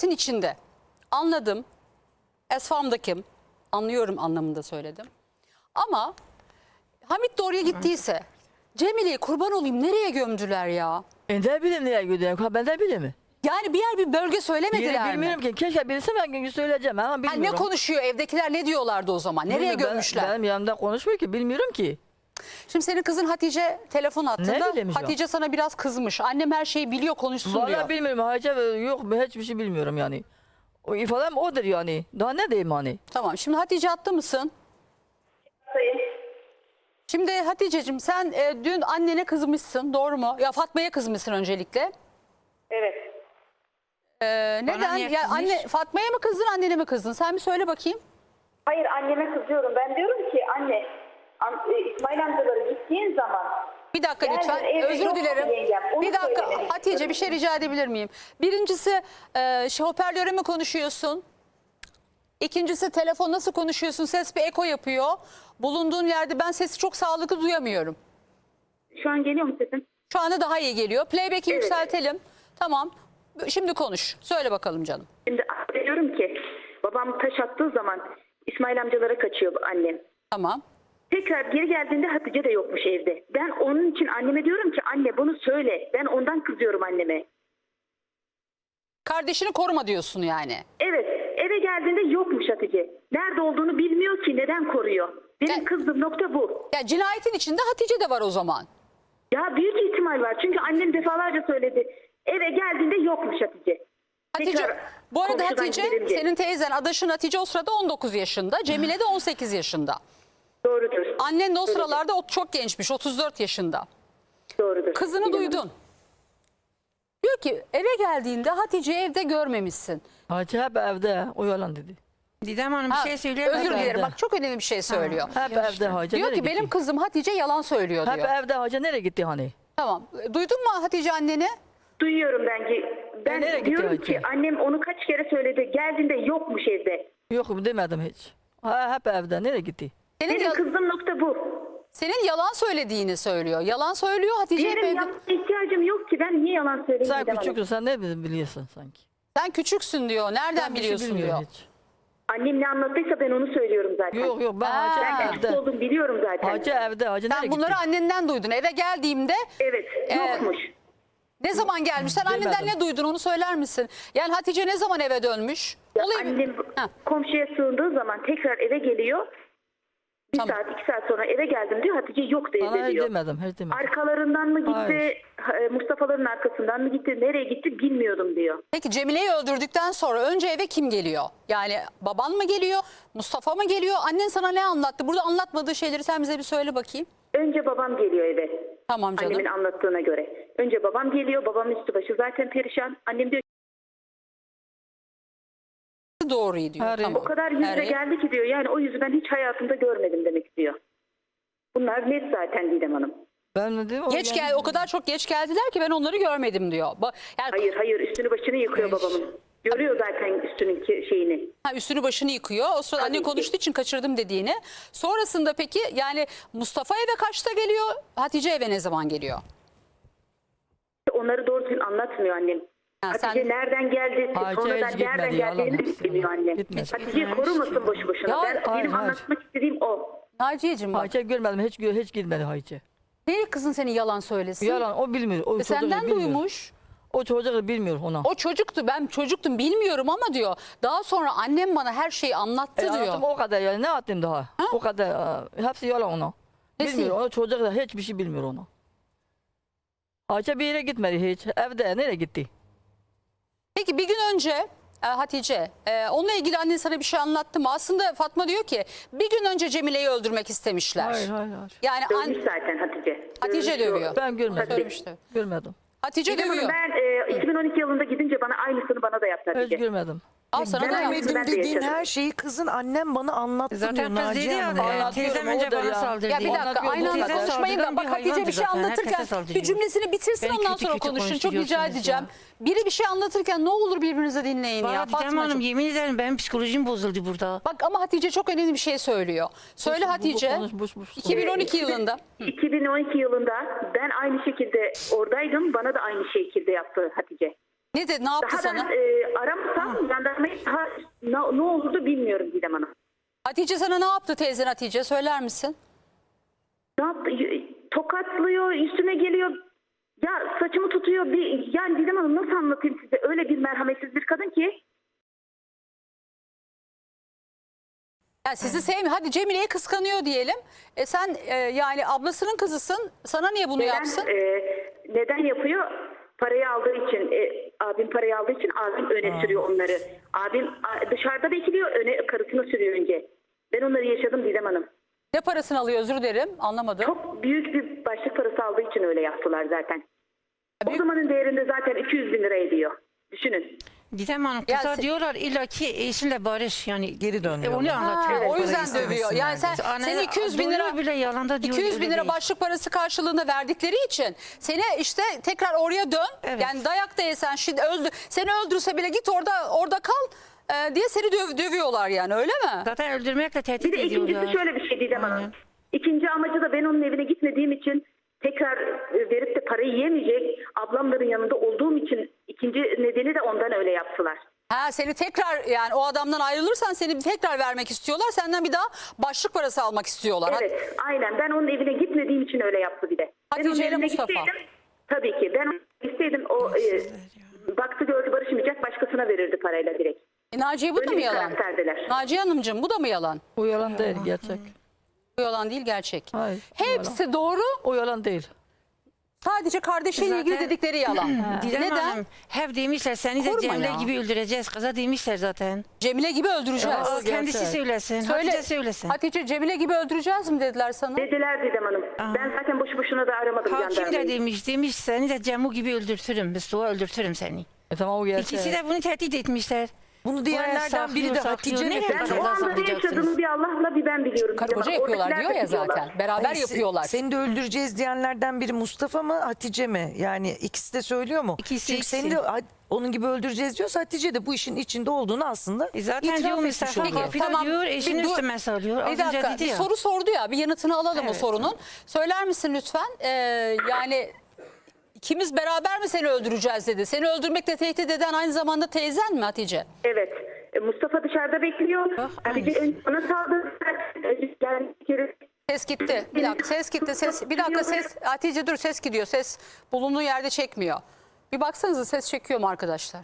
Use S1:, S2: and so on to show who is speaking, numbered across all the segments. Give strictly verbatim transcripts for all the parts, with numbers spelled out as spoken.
S1: cinayetin içinde. Anladım. Esfamda kim? Anlıyorum anlamında söyledim. Ama Hamit de oraya gittiyse Cemile'yi kurban olayım nereye gömdüler ya?
S2: Ben de bileyim nereye gidiyorum. Ben de bileyim mi?
S1: Yani bir yer bir bölge söylemediler
S2: Yeri
S1: mi?
S2: bilmiyorum ki. Keşke bilsem ben söyleyeceğim ama
S1: Ha,
S2: bilmiyorum.
S1: ne konuşuyor evdekiler, ne diyorlardı o zaman? Nereye
S2: Bilmiyorum, ben-
S1: gömmüşler?
S2: Benim yanımda konuşmuyor ki. Bilmiyorum ki.
S1: Şimdi senin kızın Hatice telefon attığında
S2: Ne bileyim şu an?
S1: Hatice sana biraz kızmış. Annem her şeyi biliyor, konuşsun diyor.
S2: Vallahi bilmiyorum. Hacı yok. Hiçbir şey bilmiyorum yani. O ifadem odur yani. Daha ne diyeyim hani?
S1: Tamam, şimdi Hatice attı mısın?
S3: Sayın.
S1: Şimdi Hatice'cim sen e, dün annene kızmışsın, doğru mu? Ya Fatma'ya kızmışsın öncelikle.
S3: Evet.
S1: Ee, neden?
S4: niye
S1: Ya
S4: kızmış?
S1: anne Fatma'ya mı kızdın, annene mi kızdın? Sen bir söyle bakayım.
S3: Hayır, anneme kızıyorum. Ben diyorum ki anne, an, e, İsmail amcaları gittiğin zaman...
S1: Bir dakika
S3: Yani
S1: lütfen.
S3: evde
S1: Özür
S3: yok
S1: dilerim.
S3: yengem, onu
S1: Bir dakika
S3: söylemek
S1: Hatice,
S3: istiyorum.
S1: bir şey rica edebilir miyim? Birincisi e, şey, hoparlöre mi konuşuyorsun? İkincisi telefon nasıl konuşuyorsun? Ses bir eko yapıyor. Bulunduğun yerde ben sesi çok sağlıklı duyamıyorum.
S3: Şu an geliyor mu sesim?
S1: Şu anda daha iyi geliyor. Playback'i
S3: Evet.
S1: yükseltelim. Tamam. Şimdi konuş. Söyle bakalım canım.
S3: Şimdi diyorum ki babam taş attığı zaman İsmail amcalara kaçıyor annem.
S1: Tamam.
S3: Tekrar geri geldiğinde Hatice de yokmuş evde. Ben onun için anneme diyorum ki anne bunu söyle. Ben ondan kızıyorum anneme.
S1: Kardeşini koruma diyorsun yani.
S3: Evet, eve geldiğinde yokmuş Hatice. Nerede olduğunu bilmiyor ki, neden koruyor? Benim
S1: Ya-
S3: kızdığım nokta bu.
S1: Ya cinayetin içinde Hatice de var o zaman.
S3: Ya büyük ihtimal var. Çünkü annem defalarca söyledi. Eve geldiğinde yokmuş Hatice.
S1: Hatice,
S3: Tekrar
S1: bu arada
S3: komşudan
S1: Hatice,
S3: gelince.
S1: senin teyzen, adaşın Hatice o sırada on dokuz yaşında. Cemile de on sekiz yaşında.
S3: Doğrudur.
S1: Annen de o
S3: Doğrudur.
S1: sıralarda o çok gençmiş, otuz dört yaşında.
S3: Doğrudur.
S1: Kızını
S3: Bilmem.
S1: duydun. Diyor ki eve geldiğinde Hatice'yi evde görmemişsin.
S2: Hacı hep evde. O yalan dedi.
S4: Didem Hanım bir
S1: Ha,
S4: şey söyleyemem.
S1: Özür dilerim,
S2: evde.
S1: bak çok önemli bir şey söylüyor.
S2: Hep
S4: Ya
S2: evde
S4: işte.
S2: Hacı.
S1: Diyor
S2: nereye
S1: ki
S2: gitti?
S1: benim kızım Hatice yalan söylüyor
S2: Hep
S1: diyor.
S2: evde Hacı nereye gitti hani?
S1: Tamam. Duydun mu Hatice anneni?
S3: Duyuyorum ben ki. Ben
S2: nereye gitti
S3: diyorum
S2: Hatice?
S3: ki annem onu kaç kere söyledi. Geldiğinde yokmuş evde.
S2: Yok demedim hiç. Ha, hep evde. Nereye gitti?
S1: Senin,
S3: Benim
S1: ya-
S3: kızdığım nokta bu.
S1: senin yalan söylediğini söylüyor. Yalan söylüyor Hatice hep
S3: Benim
S1: evde.
S3: yapmaya ihtiyacım yok ki. Ben niye yalan söyleyeyim?
S2: Sen
S3: Didem Hanım?
S2: küçüksün. Sen ne biliyorsun sanki?
S1: Sen küçüksün diyor. Nereden
S2: Ben bir şey
S1: biliyorsun diyor.
S2: bilmiyorum hiç.
S3: Annem ne anlattıysa ben onu söylüyorum zaten.
S2: Yok yok ben
S1: Ha.
S2: Hacı
S3: Ben küçük
S2: evde.
S3: olduğumu biliyorum zaten.
S2: Hacı evde. Hacı nereye
S1: Sen
S2: gitti?
S1: bunları annenden duydun. Eve geldiğimde
S3: Evet,
S1: Ee,
S3: yokmuş.
S1: ne zaman gelmiş? Sen
S2: Bilmedim.
S1: anneden ne duydun onu söyler misin? Yani Hatice ne zaman eve dönmüş?
S3: Ya
S1: Olayı-
S3: annem
S1: Ha,
S3: komşuya sığındığı zaman tekrar eve geliyor. Bir
S1: Tamam.
S3: saat, iki saat sonra eve geldim diyor. Hatice yoktu
S2: Bana
S3: evde
S2: hiç
S3: diyor.
S2: demedim. Hiç demedim.
S3: Arkalarından mı gitti,
S2: Hayır.
S3: e, Mustafa'ların arkasından mı gitti, nereye gitti bilmiyordum diyor.
S1: Peki Cemile'yi öldürdükten sonra önce eve kim geliyor? Yani baban mı geliyor? Mustafa mı geliyor? Annen sana ne anlattı? Burada anlatmadığı şeyleri sen bize bir söyle bakayım.
S3: Önce babam geliyor eve.
S1: Tamam canım.
S3: Annemin anlattığına göre. Önce babam geliyor, babamın üstü başı zaten perişan. Annem diyor
S1: Doğruyu diyor.
S2: Her-
S3: o
S1: Tamam.
S3: kadar yüzle
S1: Her-
S3: geldi ki diyor. Yani o yüzü ben hiç hayatımda görmedim demek istiyor. Bunlar net zaten Didem Hanım.
S2: Ben ne diyeyim?
S1: Geç gel, o kadar çok geç geldiler ki ben onları görmedim diyor. Ba- Yani
S3: Hayır hayır üstünü başını yıkıyor babamın. Görüyor zaten üstünün ki- şeyini.
S1: ha, üstünü başını yıkıyor. O sırada
S3: Tabii
S1: anne
S3: ki.
S1: konuştuğu için kaçırdım dediğini. Sonrasında peki yani Mustafa eve kaçta geliyor? Hatice eve ne zaman geliyor?
S3: Onları doğru düzgün anlatmıyor annem.
S1: Ha,
S3: Hatice
S1: sen-
S3: nereden geldi,
S2: Hatice
S3: sonradan
S2: hiç
S3: nereden
S2: gitmedi, yalan
S3: geldiğini
S2: hepsi
S3: bilmiyor
S2: yalan.
S3: annem.
S2: Gitmedi.
S3: Hatice korumasın boşu boşuna.
S1: Ya,
S3: ben,
S2: hayır,
S3: benim
S2: hayır.
S3: anlatmak istediğim o.
S1: Naciye'cim bak.
S2: Hacı görmedim. Hiç, hiç gitmedi Hacı.
S1: Niye kızın seni yalan söylesin?
S2: Yalan o bilmiyor. O
S1: E,
S2: çocuk
S1: senden
S2: bilmiyor.
S1: duymuş.
S2: O çocuk bilmiyor ona.
S1: O çocuktu, ben çocuktum bilmiyorum ama diyor. Daha sonra annem bana her şeyi anlattı
S2: E,
S1: diyor.
S2: anlattım o kadar yani ne attım daha? O kadar e, hepsi yalan ona.
S1: Nesi?
S2: Bilmiyor. O çocuk da hiçbir şey bilmiyor ona. Hacı bir yere gitmedi hiç. Evde nereye gitti?
S1: Peki bir gün önce e, Hatice e, onunla ilgili annen sana bir şey anlattı mı? Aslında Fatma diyor ki bir gün önce Cemile'yi öldürmek istemişler.
S2: Hayır hayır hayır.
S1: Yani an,
S3: Dövmüş zaten Hatice.
S1: Hatice
S3: Dövmüş o.
S1: dövüyor.
S2: Ben görmedim.
S1: Söylemişti.
S2: Görmedim.
S1: Hatice
S3: Didem Hanım,
S1: dövüyor.
S3: ben e, iki bin on iki yılında gidince bana aynısını bana da yaptı
S2: Hiç
S3: Hatice.
S2: görmedim.
S1: Al sana da
S3: ben-
S1: yaptı.
S3: Ben
S5: Görmedim
S3: de
S5: dediğin
S3: yaşadım.
S5: her şeyi kızın annem bana anlattı diyor
S4: Zaten kız dedi
S5: Naciye
S4: ya,
S5: Hanım.
S4: e,
S2: Anlatıyorum,
S4: teyzem
S2: o
S4: önce
S2: da
S4: bana
S2: ya.
S4: saldırdı.
S1: Ya bir dakika
S2: Anlatıyor,
S1: aynı
S2: bu
S1: anda
S2: kadar.
S1: konuşmayın da
S4: Saldırgan
S1: bak
S4: bir
S1: Hatice bir
S4: hayvandır
S1: şey
S4: zaten,
S1: anlatırken
S4: herkese saldırıyor.
S1: bir cümlesini bitirsin
S4: Beni
S1: ondan
S4: kötü
S1: sonra
S4: kötü
S1: konuşun. Çok rica
S4: konuşturuyorsunuz
S1: edeceğim.
S4: ya.
S1: Biri bir şey anlatırken ne olur birbirinize dinleyin ya.
S4: Valla Didem Hanım
S1: Fatmacığım.
S4: yemin ederim benim psikolojim bozuldu burada.
S1: Bak ama Hatice çok önemli bir şey söylüyor. Söyle
S2: Boş- bu-
S1: Hatice.
S2: konuş, boş- boş-
S1: iki bin on iki yılında.
S3: iki bin on iki yılında ben aynı şekilde oradaydım. Bana da aynı şekilde yaptı Hatice.
S1: Ne dedi? Ne yaptı
S3: Daha
S1: sana?
S3: ben e, aramasam vermeyi daha ne, ne olurdu bilmiyorum Didem Hanım.
S1: Hatice sana ne yaptı teyzen Hatice söyler misin?
S3: Ne yaptı? Y- Tokatlıyor, üstüne geliyor. Ya saçımı tutuyor. Bir, yani Didem Hanım nasıl anlatayım size? Öyle bir merhametsiz bir kadın ki.
S1: Ya sizi sevmiyor. Hadi Cemile'yi kıskanıyor diyelim. E sen e, yani ablasının kızısın. Sana niye bunu
S3: Neden,
S1: yapsın?
S3: e, neden yapıyor? Parayı aldığı için, e, abim parayı aldığı için abim öne sürüyor onları. Abim a, dışarıda bekliyor, öne karısını sürüyor önce. Ben onları yaşadım Didem Hanım.
S1: Ne parasını alıyor özür dilerim anlamadım.
S3: Çok büyük bir başlık parası aldığı için öyle yaptılar zaten. O
S1: Büyük-
S3: zamanın değerinde zaten iki yüz bin lira ediyor. Düşünün.
S4: Didem Hanım
S1: Ya
S4: kızlar
S1: se-
S4: diyorlar illa ki eşinle barış yani.
S5: Geri dön
S4: E,
S5: diyorlar.
S4: onu
S1: Ha,
S4: anlatıyor.
S1: o yüzden
S5: Parayı
S1: dövüyor. Yani sen
S5: istemesinler
S4: Anne,
S1: seni iki yüz bin lira
S4: doğru bile yalanda diyor.
S1: iki yüz bin
S4: öyle
S1: lira
S4: değil.
S1: başlık parası karşılığında verdikleri için seni işte tekrar oraya dön.
S4: Evet.
S1: Yani dayak da yesen şimdi öldü, seni öldürse bile git orada orada kal e, diye seni döv, dövüyorlar yani öyle mi?
S4: Zaten öldürmekle tehdit
S3: Bir de ikincisi
S4: ediyorlar.
S3: şöyle bir şey Didem Hanım.
S4: Aynen.
S3: İkinci amacı da ben onun evine gitmediğim için tekrar e, verip de parayı yemeyecek ablamların yanında olduğum için ikinci nedeni de ondan öyle yaptılar.
S1: Ha seni tekrar yani o adamdan ayrılırsan seni tekrar vermek istiyorlar. Senden bir daha başlık parası almak istiyorlar.
S3: Evet, aynen. Ben onun evine gitmediğim için öyle yaptı bir de. Ben
S1: Hatice
S3: onun
S1: ile
S3: evine
S1: Mustafa.
S3: gitseydim, tabii ki. Ben isteydim o e, baktı gördü barışmayacak başkasına verirdi parayla direkt.
S1: E, Naciye bu da
S3: Öyle
S1: mı
S3: bir
S1: yalan?
S3: karakterdeler.
S1: Naciye Hanımcığım bu da mı yalan?
S2: O yalan değil gerçek.
S1: Bu yalan değil gerçek.
S2: Hayır.
S1: Hepsi doğru.
S2: O yalan değil.
S1: Sadece kardeşiyle ilgili
S4: Zaten-
S1: dedikleri yalan.
S4: Didem
S1: Neden?
S4: Hanım hep demişler seni de
S1: Koruma
S4: Cemile
S1: ya.
S4: gibi öldüreceğiz. Kıza demişler zaten.
S1: Cemile gibi öldüreceğiz.
S2: Ya,
S4: O kendisi
S2: gerçek.
S4: söylesin.
S1: Söyle.
S4: Hatice söylesin.
S1: Hatice Cemile gibi öldüreceğiz mi dediler sana?
S3: Dediler Didem Hanım. Ben zaten boşu boşuna da aramadım
S4: Hakim de
S3: jandarmayı.
S4: demiş, demiş seni de Cemu gibi öldürtürüm. Mustafa öldürtürüm seni.
S2: E tamam o gerçek.
S4: İkisi de bunu tehdit etmişler.
S5: Bunu diyenlerden biri de
S4: saklıyor,
S5: Hatice
S4: saklıyor.
S5: mi?
S4: Nereye
S3: Ben
S4: kadar
S3: o anda ne
S4: saklayacaksınız?
S3: yaşadığımı bir Allah'la bir ben biliyorum.
S1: Karı
S3: Didem
S1: koca
S3: Hanım.
S1: yapıyorlar
S3: Oradakiler
S1: diyor ya
S3: de biliyorlar.
S1: zaten. Beraber
S5: Hayır, se-
S1: yapıyorlar.
S5: Seni de öldüreceğiz diyenlerden biri Mustafa mı Hatice mi? Yani ikisi de söylüyor mu?
S4: İkisi,
S5: Çünkü
S4: ikisi.
S5: seni de ha- onun gibi öldüreceğiz diyorsa Hatice de bu işin içinde olduğunu aslında
S4: E zaten
S5: itiraf
S4: diyor
S5: etmiş
S4: Mustafa
S5: oluyor.
S4: kapıda
S1: Tamam,
S4: diyor
S1: bir
S4: eşini
S1: dur-
S4: üstüme salıyor. Az
S1: Bir
S4: önce
S1: dakika
S4: dedi
S1: bir
S4: ya.
S1: soru sordu ya bir yanıtını alalım o
S4: Evet.
S1: sorunun. Söyler misin lütfen? Ee, yani ikimiz beraber mi seni öldüreceğiz dedi. Seni öldürmekle tehdit eden aynı zamanda teyzen mi Hatice?
S3: Evet. E, Mustafa dışarıda bekliyor.
S4: Ah,
S3: Hatice önce ona saldırdı. Yani bir kere
S1: Ses gitti. Bir dakika ses gitti. Ses bir dakika ses Hatice dur ses gidiyor. Ses bulunduğu yerde çekmiyor. Bir baksanıza ses çekiyor mu arkadaşlar?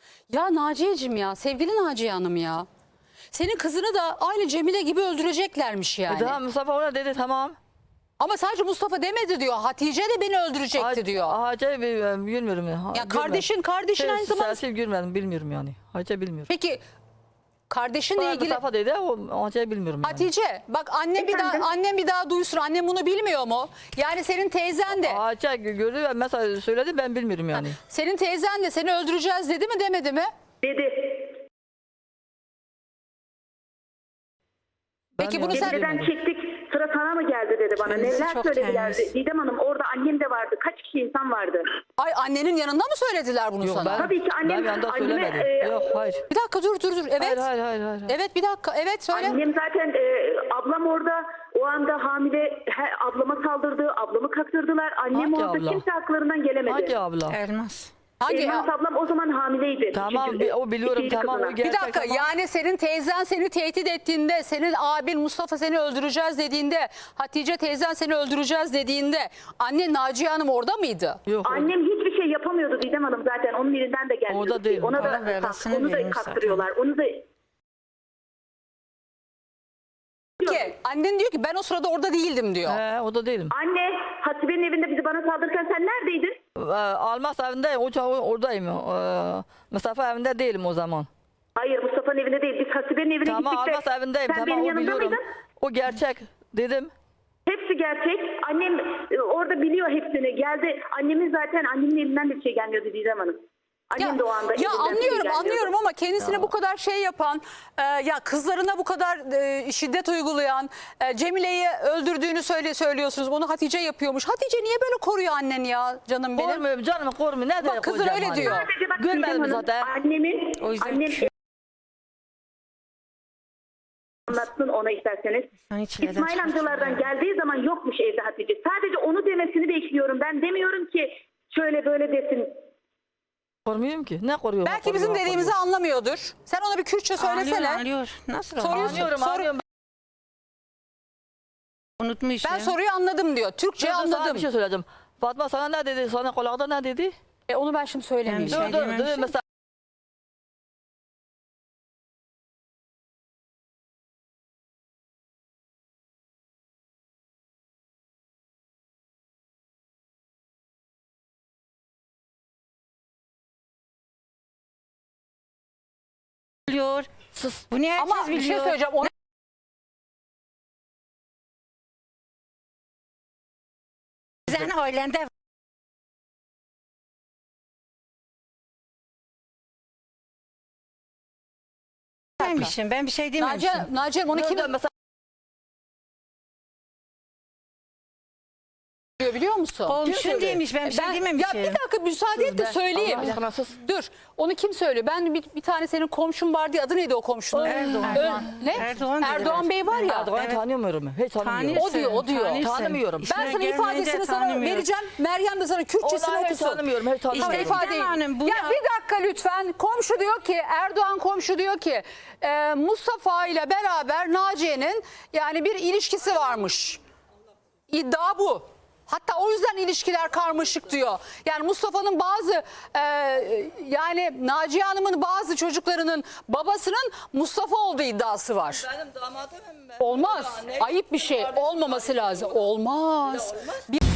S1: Ya Naciye'cim ya sevgili Naciye Hanım ya. Senin kızını da aynı Cemile gibi öldüreceklermiş yani.
S2: E tamam Mustafa ona dedi tamam.
S1: Ama sadece Mustafa demedi diyor. Hatice de beni öldürecekti diyor.
S2: Hacı bilmiyorum. Ya
S1: Ya kardeşin kardeşin aynı zamanda.
S2: Sesi görmedim bilmiyorum yani. Hacı bilmiyorum.
S1: Peki kardeşinle
S2: Bana
S1: ilgili
S2: Mustafa dedi o Hacı bilmiyorum yani.
S1: Hatice bak annem bir daha
S3: Efendim?
S1: annem bir daha duysun. Annem bunu bilmiyor mu? Yani senin teyzen de
S2: Hacı gördü ve mesela söyledi ben bilmiyorum yani.
S1: senin teyzen de seni öldüreceğiz dedi mi demedi mi?
S3: dedi.
S1: Peki
S2: Ben
S1: bunu
S2: yani
S1: sen-
S3: Dededen çektik. Sıra sana mı geldi dedi bana.
S4: Kendisi
S3: Neler
S4: çok
S3: söylediler.
S4: temiz.
S3: Didem Hanım orada annem de vardı. Kaç kişi insan vardı.
S1: Ay annenin yanında mı söylediler bunu
S2: Yok
S1: sana?
S2: ben,
S3: Tabii ki annem-
S2: ben yanında
S3: anneme,
S2: söylemedim.
S3: e,
S2: Yok hayır.
S1: Bir dakika dur dur dur. Evet.
S2: Hayır hayır hayır. hayır.
S1: Evet bir dakika. Evet söyle.
S3: Annem zaten e, ablam orada o anda hamile he, ablama saldırdı. Ablamı kaktırdılar. Annem
S2: Hadi
S3: orada
S2: abla.
S3: kimse haklarından gelemedi.
S2: Hacı abla.
S4: Elmas.
S1: Hangi
S3: Elmas ablam o zaman hamileydi.
S2: Tamam
S3: Üçüncü-
S2: bi- o biliyorum
S3: ikinci
S2: tamam o
S3: kızına.
S1: Bir
S2: gerçek
S1: dakika
S2: ama-
S1: yani senin teyzen seni tehdit ettiğinde, senin abin Mustafa seni öldüreceğiz dediğinde, Hatice teyzen seni öldüreceğiz dediğinde anne Naciye Hanım orada mıydı?
S2: Yok.
S3: Annem hiçbir şey yapamıyordu Didem Hanım zaten. Onun elinden de gelmiyordu.
S2: Orada değil.
S3: Ona da
S4: Ona verasını
S3: onu da
S4: vermiş
S3: kaktırıyorlar. Onu da
S1: Ki annen diyor ki ben o sırada orada değildim diyor.
S2: He, o da değilim.
S3: Anne Hasibe'nin evinde bizi bana saldırırken sen neredeydin?
S2: Ee, Almas evindeyim. O çağ oradayım. Ee, Mustafa evinde değilim o zaman.
S3: Hayır Mustafa'nın evinde değil. Biz Hasibe'nin evine
S2: Tamam
S3: gittik de
S2: Almas evindeyim.
S3: sen
S2: Tamam
S3: benim
S2: o
S3: yanımda
S2: biliyorum.
S3: mıydın?
S2: O gerçek dedim.
S3: Hepsi gerçek. Annem e, orada biliyor hepsini. Geldi. Annemin zaten annemin elinden de bir şey gelmiyordu Didem Hanım. Annem
S1: Ya,
S3: de o anda
S1: ya
S3: elinden bir şey
S1: anlıyorum
S3: gelmiyordu.
S1: anlıyorum ama kendisine bu kadar şey yapan, e, ya kızlarına bu kadar e, şiddet uygulayan, e, Cemile'yi öldürdüğünü söyle söylüyorsunuz. Bunu Hatice yapıyormuş. Hatice niye böyle koruyor annen ya canım benim?
S2: Kormuyorum canım kormuyorum. Ne
S1: Bak, kızın öyle diyor.
S3: Sadece bak
S2: Görmedim
S3: Didem Hanım,
S2: zaten.
S3: Annemin,
S4: O yüzden
S3: annem
S4: kü-
S3: anlatsın ona isterseniz.
S4: Sen içlerden
S3: İsmail
S4: çıkartıyorsun
S3: amcalardan
S4: ya.
S3: geldiği zaman yokmuş evde Hatice. Sadece onu demesini bekliyorum. Ben demiyorum ki şöyle böyle desin.
S2: Korumuyorum ki. Ne koruyor?
S1: Belki bizim dediğimizi anlamıyordur. Sen ona bir Kürtçe söylesene.
S4: Anlıyor, anlıyor. Nasıl
S1: Soruyorsun.
S4: anlıyor?
S2: Anlıyorum,
S1: Soru-
S2: anlıyorum.
S4: Unutmuş.
S1: Ben
S4: ya.
S1: soruyu anladım diyor. Türkçe
S2: Ben de sana
S1: anladım.
S2: bir şey söyleyeceğim. Fatma sana ne dedi? Sana kulağında ne dedi?
S1: E, onu ben şimdi söylemeyeceğim.
S4: Ben
S2: Dur dur dur.
S4: Söylememişim.
S2: Mesela
S4: Biliyor.
S2: sus.
S4: Bunu herkes
S1: Ama bir şey
S4: biliyor.
S1: söyleyeceğim. Onu
S4: Senin ailende dememişim. Ben bir şey dememişim.
S1: Naciye, Naciye onu
S2: Dur,
S1: kim
S2: dur, mesela
S1: diyor biliyor musun?
S4: Komşun
S2: söylüyor?
S4: demiş. Ben bir şey
S1: Ben-
S4: dememişim.
S1: Ya bir dakika müsaade et de
S2: Ben-
S1: söyleyeyim.
S2: Allah aşkına sus.
S1: Dur. Onu kim söylüyor? Ben bir, bir tane senin komşun var diye adı neydi o komşunun?
S4: Erdoğan.
S1: Ö-
S4: Erdoğan.
S1: Ne?
S4: Erdoğan
S1: Erdoğan,
S4: dediler.
S1: Bey var ya.
S2: Erdoğan'ı
S4: Evet.
S2: tanımıyorum. Hiç tanımıyorum.
S1: O diyor, o diyor.
S4: Tanırsın.
S2: Tanımıyorum.
S1: Ben
S4: İşine
S1: sana
S4: gelmeyince
S1: ifadesini sana
S4: tanımıyorum.
S1: vereceğim. Meryem de sana Kürtçesini
S2: Onu hiç
S1: okusun.
S2: tanımıyorum. Hiç tanımıyorum.
S1: İşte
S4: Ama
S1: ifadeyi.
S4: Didem Hanım, bu
S1: Ya
S4: ya-
S1: bir dakika lütfen. Komşu diyor ki, Erdoğan komşu diyor ki e, Mustafa ile beraber Naciye'nin yani bir ilişkisi varmış. İddia bu. Hatta o yüzden ilişkiler karmaşık diyor. Yani Mustafa'nın bazı e, yani Naciye Hanım'ın bazı çocuklarının babasının Mustafa olduğu iddiası var.
S2: Benim damadım mı?
S1: Olmaz. Ayıp bir şey. Olmaması lazım. Olmaz. Bir-